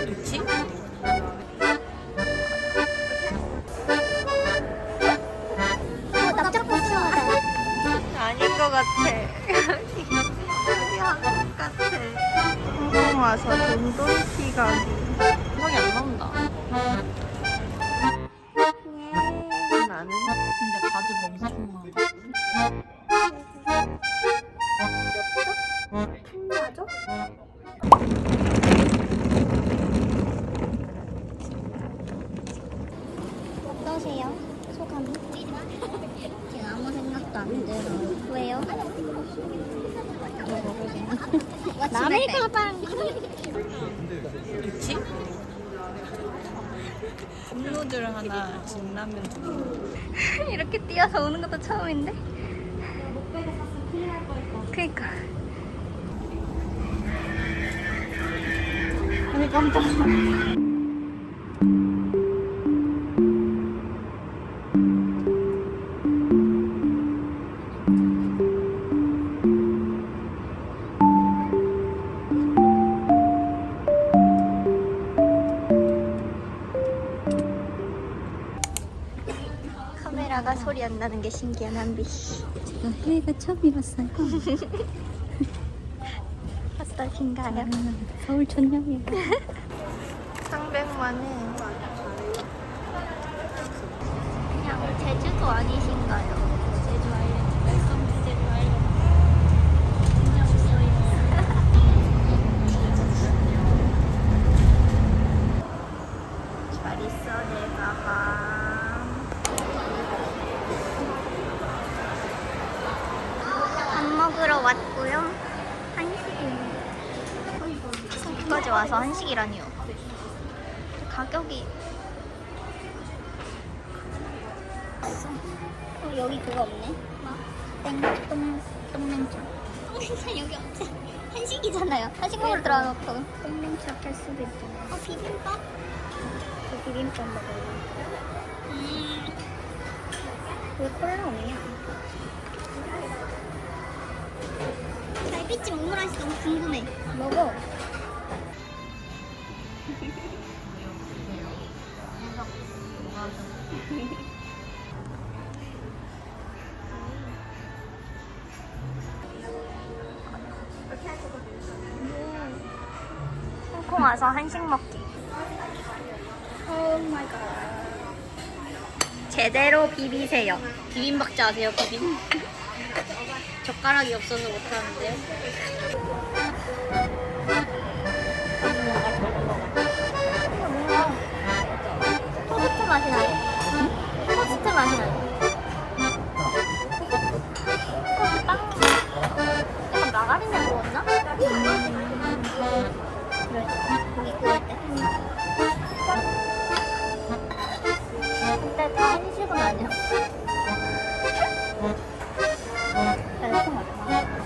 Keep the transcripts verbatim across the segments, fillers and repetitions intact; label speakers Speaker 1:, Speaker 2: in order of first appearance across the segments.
Speaker 1: 그치?
Speaker 2: 어, 납작 복숭아다.
Speaker 1: 아닌 것 같아. 여기 한국 같아. 홍콩 와서 돈돈티 가기. 성이 안 나온다. 나는 근데 가지 멍청한.
Speaker 2: 맞아? 어떠세요? 소감이? 지금 아무 생각도 안 들어요. 왜요? 남의 가방.
Speaker 1: 그치? 컵누들 하나, 진라면 두 개.
Speaker 2: 이렇게 뛰어서 오는 것도 처음인데? 그니까.
Speaker 1: 아니 깜짝이야.
Speaker 2: 카메라가 소리 안 나는 게 신기한 한비.
Speaker 3: 제가 해외가 처음이었어요.
Speaker 2: 어떠신가요?
Speaker 3: 서울 촌놈이에요.
Speaker 1: 삼백만 해.
Speaker 2: 그냥 제주도 아니신가요?
Speaker 3: 제주 아일랜드, 웰컴 투 제주 아일랜드.
Speaker 1: 잘 있어 내 가방.
Speaker 2: 밥 먹으러 왔고요. 한식입니다. 여기까지 와서 한식이라니요. 가격이 어, 여기 그거 없네. 뭐? 땡똥 똥냉초. 똥냉초 여기 없지. 한식이잖아요. 한식 먹으러 들어가놓고 똥냉초 할 수도 있잖아요. 어 비빔밥? 그 비빔밥 먹어요. 음. 왜 콜라 없냐? 달빛집 오므라이스 너무 궁금해. 먹어. 홍콩 와서 한식 먹기. 오 마이 갓. 제대로 비비세요.
Speaker 3: 비빔박자 아세요, 비빔? 젓가락이 없어서 못하는데요.
Speaker 2: 토스트 맛이 나네. 토스트 맛이 나네. 토스트 빵. 약간 마가린을 먹었나? 그래. 고기 구울 때. 근데 다 한식은 아니야. 달콤하다.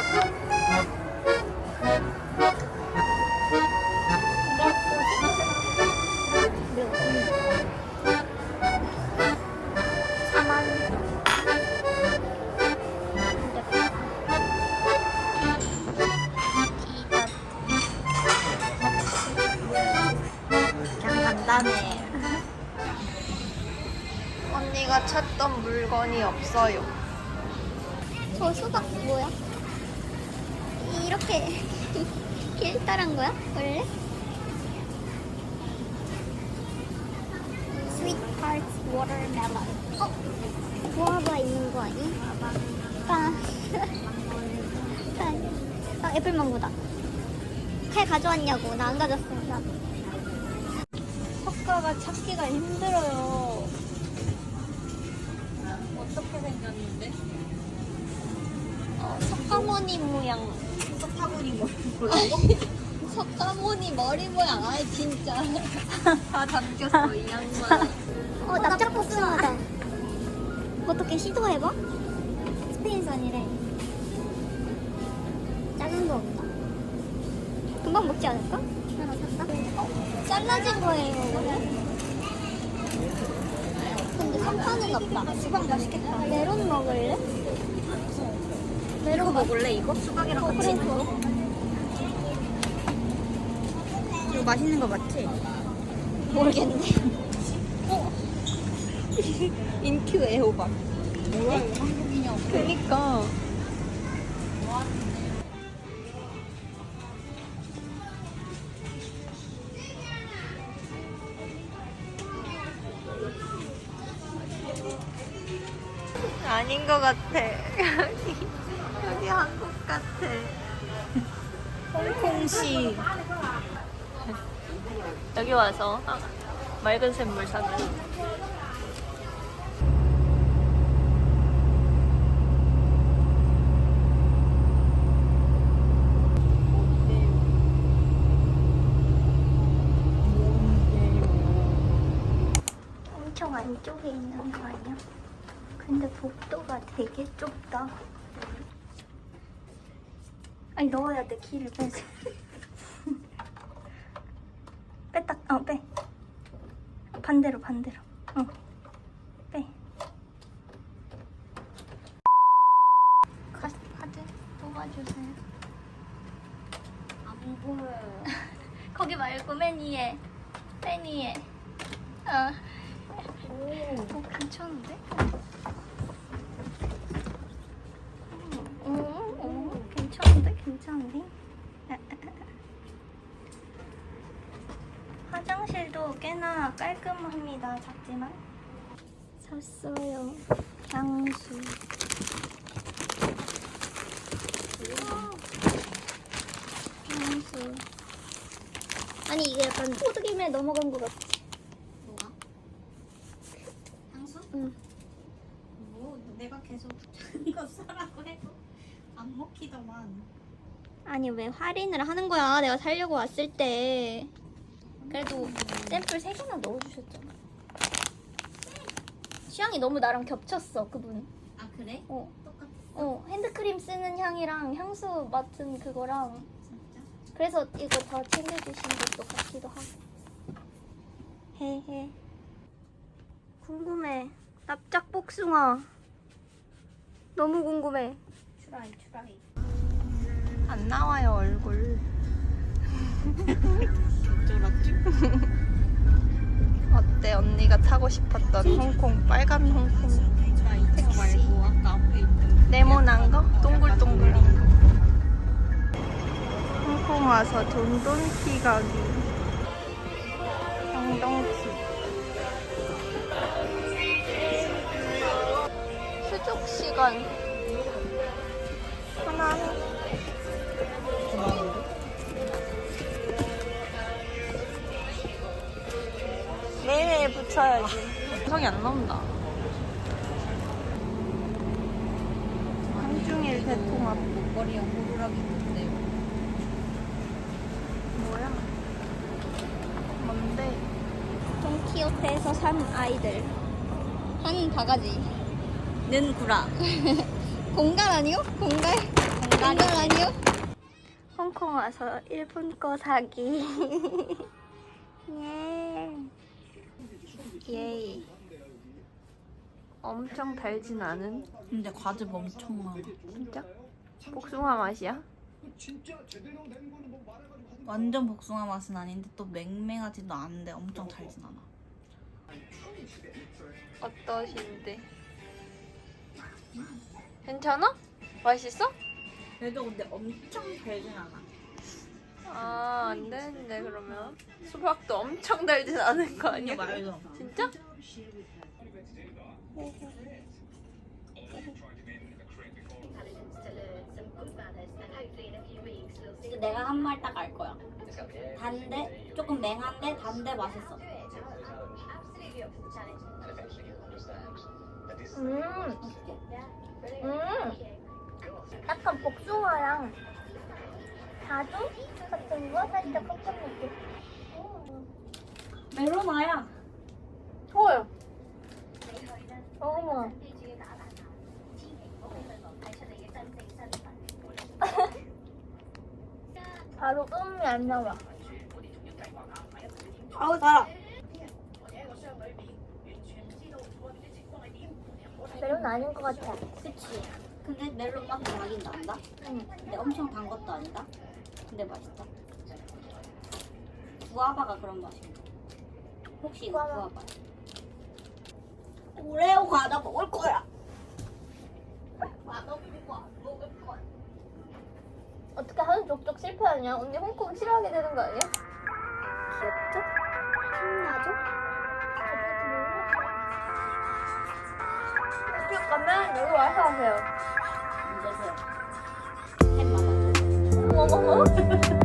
Speaker 1: 그냥 간단해. 언니가 찾던 물건이 없어요.
Speaker 2: 저 수박 뭐야? 이렇게 길다란 거야? 원래? Sweet Hearts Watermelon. 어? 구아바 있는 거 아니? 아, 아 애플망고다. 칼 가져왔냐고. 나 안 가졌어. 나.
Speaker 3: 석가가 찾기가 힘들어요. 어떻게 생겼는데?
Speaker 2: 어, 석가모니 모양.
Speaker 3: 석가모니 머리 뭐라고? 석가모니 머리 모양. 아이 진짜 다 담겼어 이 양반.
Speaker 2: 어, 납작 복숭아다. 어떻게 시도해봐? 스페인산이래. 작은 거 없나? 금방 먹지 않을까? 하나 샀다? 어, 잘라진 거예요, 이거는? 근데 상판은 없다.
Speaker 3: 수박 맛있겠다.
Speaker 2: 메론 먹을래?
Speaker 3: 이거 먹을래 이거? 수박이랑
Speaker 2: 어,
Speaker 3: 같이
Speaker 2: 그래,
Speaker 3: 있는 거?
Speaker 2: 좋아.
Speaker 3: 이거 맛있는 거 맞지?
Speaker 2: 모르겠는데.
Speaker 3: 인큐 애호박. 뭐야 이거 한국인형. 그니까.
Speaker 1: 아닌 것 같아. 여기, 여기 한국 같아.
Speaker 3: 홍콩시.
Speaker 1: 여기 와서 아, 맑은 샘물 사면.
Speaker 2: 엄청 안쪽에 있는 거 아니야? 근데 복도가 되게 좁다. 아니 넣어야 돼. 키를 빼서. 뺐다. 어 빼. 반대로 반대로. 어. 빼. 카, 카드 뽑아주세요.
Speaker 3: 안 보여요.
Speaker 2: 거기 말고 맨 위에. 맨 위에. 어. 오, 괜찮은데? 오, 오, 괜찮은데? 괜찮은데? 화장실도 꽤나 깔끔합니다. 작지만. 샀어요. 향수. 향수. 아니 이게 약간 호두김에 넘어간 것 같아.
Speaker 3: 뭐가? 향수?
Speaker 2: 응.
Speaker 3: 뭐 내가 계속 이거 사라고 해도 안 먹히더만.
Speaker 2: 아니 왜 할인을 하는 거야? 내가 살려고 왔을 때. 그래도 샘플 세 개나 넣어주셨잖아. 취향이 너무 나랑 겹쳤어 그분.
Speaker 3: 아 그래?
Speaker 2: 어,
Speaker 3: 똑같았어?
Speaker 2: 어 핸드크림 쓰는 향이랑 향수 맡은 그거랑.
Speaker 3: 진짜?
Speaker 2: 그래서 이거 더 챙겨주신 것도 같기도 하고. 헤헤. 궁금해. 납작 복숭아. 너무 궁금해.
Speaker 3: 추라이 추라이.
Speaker 1: 안 나와요 얼굴.
Speaker 3: 어쩌라지?
Speaker 1: 어때 언니가 타고 싶었던 홍콩 빨간 홍콩
Speaker 3: 나 이거 말고 아까 앞에 있던
Speaker 1: 네모난 거? 동글동글한 거. 홍콩 와서 돈돈키 가기. 정동키. 수족 시간. 하나해. 매일 붙여야지. 성이 안 나온다. 한중일 대통합.
Speaker 3: 목걸이에 호루라기 있는데
Speaker 1: 뭐야? 뭔데?
Speaker 2: 돈키호테에서 산 아이들. 한 바가지.
Speaker 3: 는 구라.
Speaker 2: 공갈 아니요? 공갈? 공갈 아니요? 홍콩 와서 일본 거 사기. 예.
Speaker 1: 예이. 엄청 달진 않은?
Speaker 3: 근데 과즙 엄청 많아.
Speaker 1: 진짜? 복숭아 맛이야?
Speaker 3: 완전 복숭아 맛은 아닌데 또 맹맹하지도 않은데 엄청 달진 않아.
Speaker 1: 어떠신데? 괜찮아? 맛있어?
Speaker 3: 그래도 근데 엄청 달진 않아.
Speaker 1: 아, 안 되는데 그러면 수박도 엄청 달진 않은 거 아니야?
Speaker 3: 말도.
Speaker 1: 진짜?
Speaker 3: 내가 한 말 딱 알 거야. 단데 조금 맹한데 단데 맛있어.
Speaker 2: 음. 음. 약간 복숭아랑 자두 같은 거 살짝 섞은 느낌.
Speaker 3: 메로나야.
Speaker 2: 좋아요. 어머. 바로 음이 안 나와.
Speaker 3: 아우 달아.
Speaker 2: 멜론 아닌 것 같아.
Speaker 3: 그치. 근데 멜론 맛도 나긴 난다.
Speaker 2: 응.
Speaker 3: 근데 엄청 단 것도 아니다. 근데 맛있다.
Speaker 2: 구아바가 그런 맛인가? 혹시 이거 구아바? 오레오 과자 먹을 거야. 맛없는 거 안 먹을 거야.
Speaker 1: 어떻게 하는 족족 실패하냐? 언니 홍콩 싫어하게 되는 거 아니야?
Speaker 2: 귀엽죠? 신나죠?
Speaker 1: 이쪽 가면 여기 와서 하세요.
Speaker 2: 안 되세요. 햄 맛없어.
Speaker 1: 어머머머.